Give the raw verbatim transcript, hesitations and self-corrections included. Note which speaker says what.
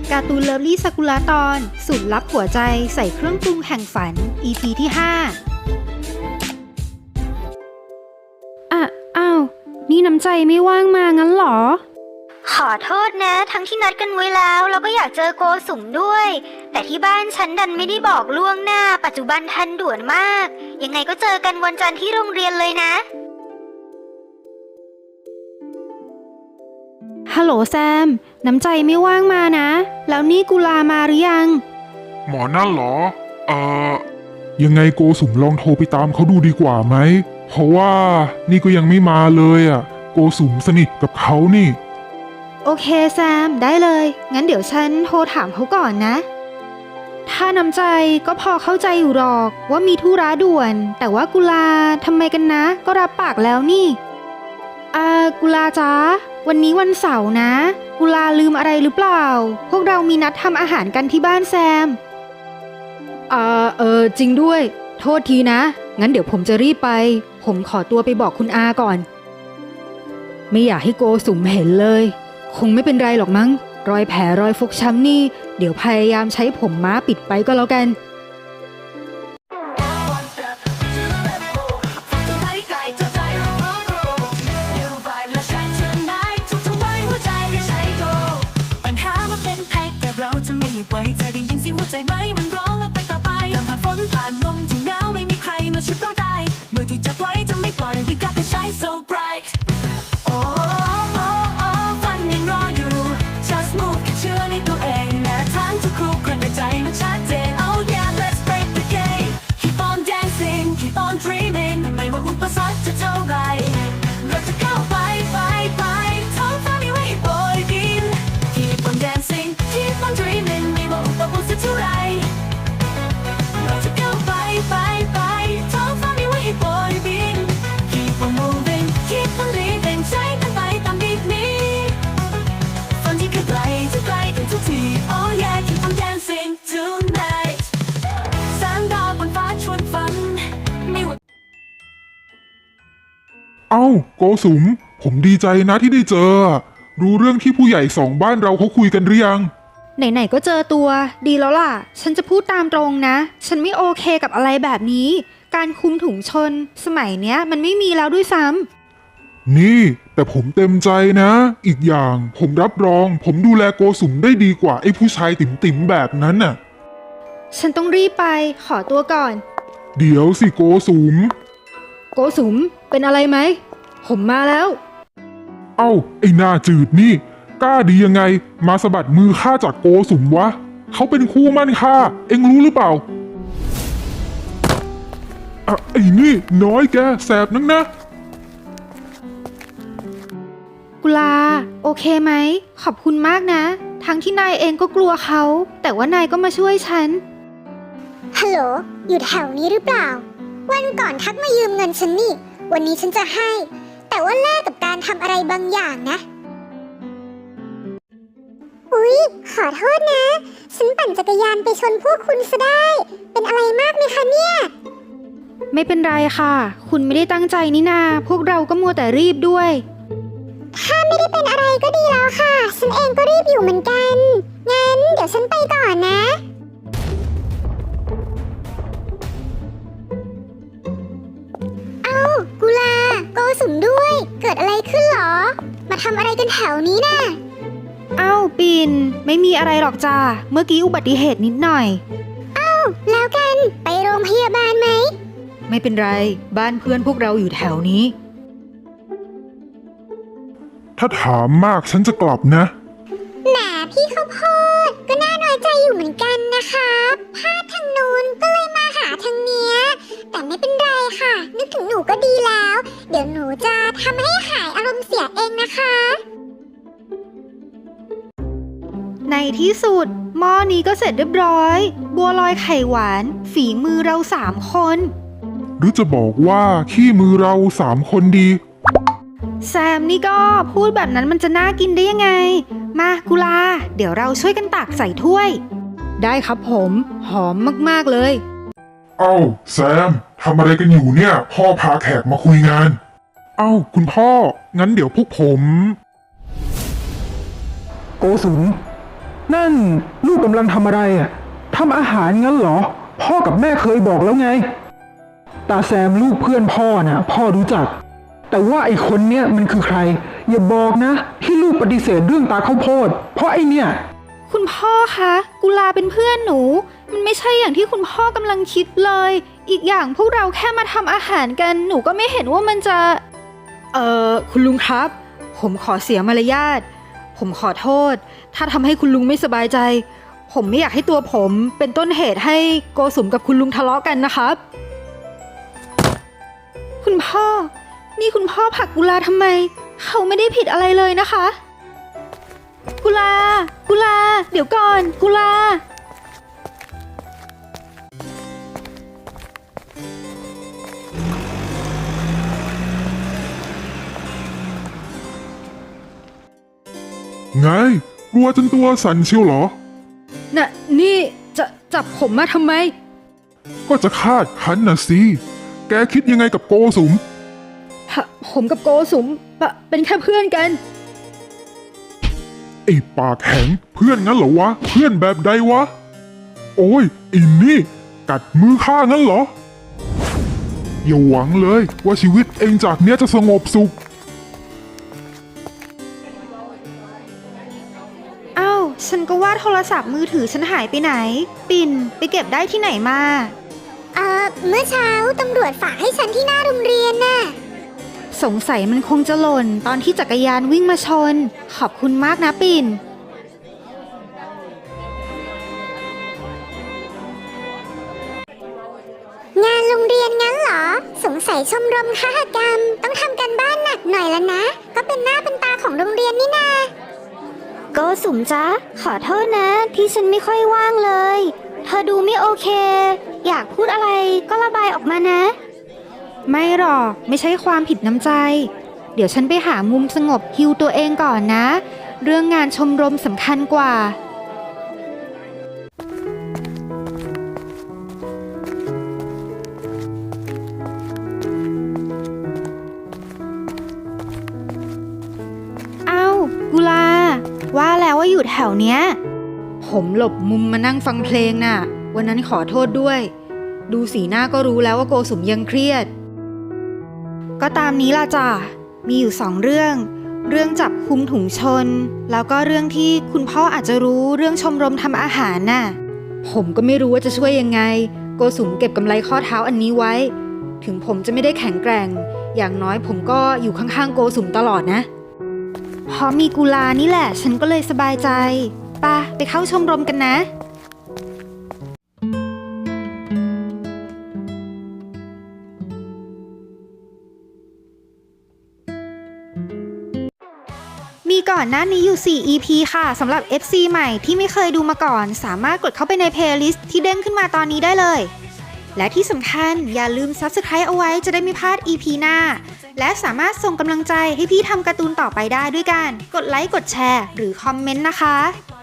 Speaker 1: การ์ตูนเลิฟลี่ซากุระตอนสูตรลับหัวใจใส่เครื่องปรุงแห่งฝัน อี พี ที่ ห้าอ่ะอ้าวนี่น้ำใจไม่ว่างมางั้นหรอ
Speaker 2: ขอโทษนะทั้งที่นัดกันไว้แล้วแล้วก็อยากเจอโกสุมด้วยแต่ที่บ้านฉันดันไม่ได้บอกล่วงหน้าปัจจุบันทันด่วนมากยังไงก็เจอกันวันจันทร์ที่โรงเรียนเลยนะ
Speaker 1: ฮัลโหลแซมน้ำใจไม่ว่างมานะแล้วนี่กุลามาหรือยัง
Speaker 3: หมอนั่นเหรอเอ่อยังไงโกสุมลองโทรไปตามเขาดูดีกว่าไหมเพราะว่านี่ก็ยังไม่มาเลยอ่ะโกสุมสนิทกับเขานี่
Speaker 1: โอเคแซมได้เลยงั้นเดี๋ยวฉันโทรถามเขาก่อนนะถ้าน้ำใจก็พอเข้าใจอยู่หรอกว่ามีธุระด่วนแต่ว่ากุลาทำไมกันนะก็รับปากแล้วนี่อ่ากุลาจ๊ะวันนี้วันเสาร์นะกุลาลืมอะไรหรือเปล่าพวกเรามีนัดทำอาหารกันที่บ้านแซมอ่าเออจริงด้วยโทษทีนะงั้นเดี๋ยวผมจะรีบไปผมขอตัวไปบอกคุณอาก่อนไม่อยากให้โกสุมเห็นเลยคงไม่เป็นไรหรอกมั้งรอยแผลรอยฟกช้ำนี่เดี๋ยวพยายามใช้ผมม้าปิดไปก็แล้วกัน
Speaker 4: ไว้ใจได้ยินเสียงหัวใจไหมมันร้องแล้วไปต่อไปแต่ผ่านฝนผ่านลมที่หนาวไม่มีใครมาช่วยเราได้เมื่อที่จับไว้จะไม่ปล่อย We got the shine so bright โอ้โอ้โอ้ฝันยังรออยู่ Just move แค่เชื่อในตัวเองและทั้งทุกคู่คนในใจมันชัดเจน Oh yeah let's break the game Keep on dancing Keep on dreaming ไม่ว่าอุปสรรคจะเท่าไรเราจะก้าวไปไปไปท้องฟ้ามีไว้ให้โบยบิน Keep on dancing Keep on dreamingเราจะก้าวไปไปไปท้องฟ้ามีไว้ให้โบยบิน Keep on moving Keep on living ใช้กันไปตามบีทนี้ฝันที่ไกลจะไกลกันทุกที Oh yeah Keep on dancing tonight แสงดาวบนฟ้าชวนฝันไม่ว่า
Speaker 3: เอ้าโกสุมผมดีใจนะที่ได้เจอรู้เรื่องที่ผู้ใหญ่สองบ้านเราเขาคุยกันหรือยัง
Speaker 1: ไหนๆก็เจอตัวดีแล้วล่ะฉันจะพูดตามตรงนะฉันไม่โอเคกับอะไรแบบนี้การคุมถุงชนสมัยเนี้ยมันไม่มีแล้วด้วยซ้
Speaker 3: ำนี่แต่ผมเต็มใจนะอีกอย่างผมรับรองผมดูแลโกสุมได้ดีกว่าไอ้ผู้ชายติ๋มๆแบบนั้นน่ะ
Speaker 1: ฉันต้องรีบไปขอตัวก่อน
Speaker 3: เดี๋ยวสิโกสุม
Speaker 1: โกสุมเป็นอะไรไหมผมมาแล้ว
Speaker 3: เอ้าไอ้หน้าจืดนี่กล้าดียังไงมาสะบัดมือข้าจากโกสุมวะเขาเป็นคู่มั่นข้าเอ็งรู้หรือเปล่าอ่ะไอ้นี่น้อยแกแสบนักนะ
Speaker 1: กุลาโอเคไหมขอบคุณมากนะทั้งที่นายเองก็กลัวเขาแต่ว่านายก็มาช่วยฉัน
Speaker 2: ฮัลโหลอยู่แถวนี้หรือเปล่าวันก่อนทักมายืมเงินฉันนี่วันนี้ฉันจะให้แต่ว่าแลกกับการทำอะไรบางอย่างนะอุ๊ยขอโทษนะฉันปั่นจักรยานไปชนพวกคุณซะได้เป็นอะไรมากไหมคะเนี่ย
Speaker 1: ไม่เป็นไรค่ะคุณไม่ได้ตั้งใจนี่นาพวกเราก็มัวแต่รีบด้วย
Speaker 2: ถ้าไม่ได้เป็นอะไรก็ดีแล้วค่ะฉันเองก็รีบอยู่เหมือนกันงั้นเดี๋ยวฉันไปก่อนนะเอ้ากุลาโกสุมด้วยเกิดอะไรขึ้นหรอมาทำอะไรกันแถวนี้น่ะ
Speaker 1: เอ้าปิ่นไม่มีอะไรหรอกจ้าเมื่อกี้อุบัติเหตุนิดหน่อย
Speaker 2: เอ้าแล้วกันไปโรงพยาบาลไหม
Speaker 1: ไม่เป็นไรบ้านเพื่อนพวกเราอยู่แถวนี้
Speaker 3: ถ้าถามมากฉันจะกลับนะ
Speaker 2: แหมพี่ข้าวโพดก็น่าน้อยใจอยู่เหมือนกันนะคะพลาดทางนู้นก็เลยมาหาทางเนี้ยแต่ไม่เป็นไรค่ะนึกถึงหนูก็ดีแล้วเดี๋ยวหนูจะทำให้หายอารมณ์เสียเองนะคะ
Speaker 1: ในที่สุดหม้อนี้ก็เสร็จเรียบร้อยบัวลอยไข่หวานฝีมือเราสามคน
Speaker 3: หรือจะบอกว่าขี้มือเราสามคนดี
Speaker 1: แซมนี่ก็พูดแบบนั้นมันจะน่ากินได้ยังไงมากุลาเดี๋ยวเราช่วยกันตักใส่ถ้วยได้ครับผมหอมมากๆเลย
Speaker 3: เอ้าแซมทำอะไรกันอยู่เนี่ยพ่อพาแขกมาคุยงานเอ้าคุณพ่องั้นเดี๋ยวพวกผมโกสุม
Speaker 5: นั่นลูกกำลังทำอะไรอ่ะทำอาหารงั้นเหรอ พ่อกับแม่เคยบอกแล้วไง ตาแซมลูกเพื่อนพ่อน่ะพ่อรู้จัก แต่ว่าไอ้คนเนี้ยมันคือใคร อย่าบอกนะที่ลูกปฏิเสธเรื่องตาข้าวโพดเพราะไอ้เนี่ย
Speaker 1: คุณพ่อคะกุลาเป็นเพื่อนหนู มันไม่ใช่อย่างที่คุณพ่อกำลังคิดเลย อีกอย่างพวกเราแค่มาทำอาหารกัน หนูก็ไม่เห็นว่ามันจะ เอ่อ คุณลุงครับ ผมขอเสียมารยาท ผมขอโทษ ถ้าทำให้คุณลุงไม่สบายใจ ผมไม่อยากให้ตัวผมเป็นต้นเหตุให้โกสุมกับคุณลุงทะเลาะกันนะครับ คุณพ่อ นี่คุณพ่อผลักกุลาทำไม เขาไม่ได้ผิดอะไรเลยนะคะ กุลา กุลา เดี๋ยวก่อน กุลา
Speaker 3: ไงกลัวจนตัวสั่นเชียวเหรอ
Speaker 1: น่ะ นี่จะจับผมมาทำไม
Speaker 3: ก็จะคาดคั้นน่ะสิ แกคิดยังไงกับโกสุม
Speaker 1: ผผมกับโกสุมปะเป็นแค่เพื่อนกัน
Speaker 3: ไอ้ปากแข็งเพื่อนงั้นเหรอวะ เพื่อนแบบใดวะ โอ้ยอินนี่ กัดมือข้างั้นเหรอ อย่าหวังเลยว่าชีวิตเองจากเนี้ยจะสงบสุข
Speaker 1: อ้าว ฉันก็ว่าโทรศัพท์มือถือฉันหายไปไหน ปิ่นไปเก็บได้ที่ไหนมา
Speaker 2: เอ่อ เมื่อเช้าตำรวจฝากให้ฉันที่หน้าโรงเรียนน่ะ
Speaker 1: สงสัยมันคงจะหล่นตอนที่จักรยานวิ่งมาชน ขอบคุณมากนะปิ่น
Speaker 2: งานโรงเรียนงั้นเหรอ สงสัยชมรมคหกรรม ต้องทำกันบ้านหนักหน่อยแล้วนะ ก็เป็นหน้าเป็นตาของโรงเรียนนี่นา
Speaker 6: โกสุมจ๊ะขอโทษนะที่ฉันไม่ค่อยว่างเลย เธอดูไม่โอเค อยากพูดอะไรก็ระบายออกมานะ
Speaker 1: ไม่หรอกไม่ใช่ความผิดน้ำใจ เดี๋ยวฉันไปหามุมสงบฮิวตัวเองก่อนนะ เรื่องงานชมรมสำคัญกว่า เอ้า กุลา ว่าแล้วว่าอยู่แถวเนี้ย ผมหลบมุมมานั่งฟังเพลงน่ะ วันนั้นขอโทษด้วย ดูสีหน้าก็รู้แล้วว่าโกสุมยังเครียด ก็ตามนี้ล่ะจ้ะ มีอยู่สองเรื่อง เรื่องจับคุมถุงชน แล้วก็เรื่องที่คุณพ่ออาจจะรู้เรื่องชมรมทำอาหารน่ะ ผมก็ไม่รู้ว่าจะช่วยยังไง โกสุมเก็บกำไลข้อเท้าอันนี้ไว้ ถึงผมจะไม่ได้แข็งแกร่ง อย่างน้อยผมก็อยู่ข้างๆโกสุมตลอดนะ เพราะมีกุลานี่แหละ ฉันก็เลยสบายใจไปะไปเข้าชมรมกันนะ มีก่อนหน้านี้อยู่ สี่ อี พี ค่ะสำหรับ เอฟ ซี ใหม่ที่ไม่เคยดูมาก่อน สามารถกดเข้าไปในเพลย์ลิสต์ที่เด้งขึ้นมาตอนนี้ได้เลย และที่สำคัญอย่าลืม ซับสไครบ์ เอาไว้จะได้ไม่พลาด อี พี หน้า และสามารถส่งกำลังใจให้พี่ทำการ์ตูนต่อไปได้ด้วยการกดไลค์กดแชร์หรือคอมเมนต์นะคะ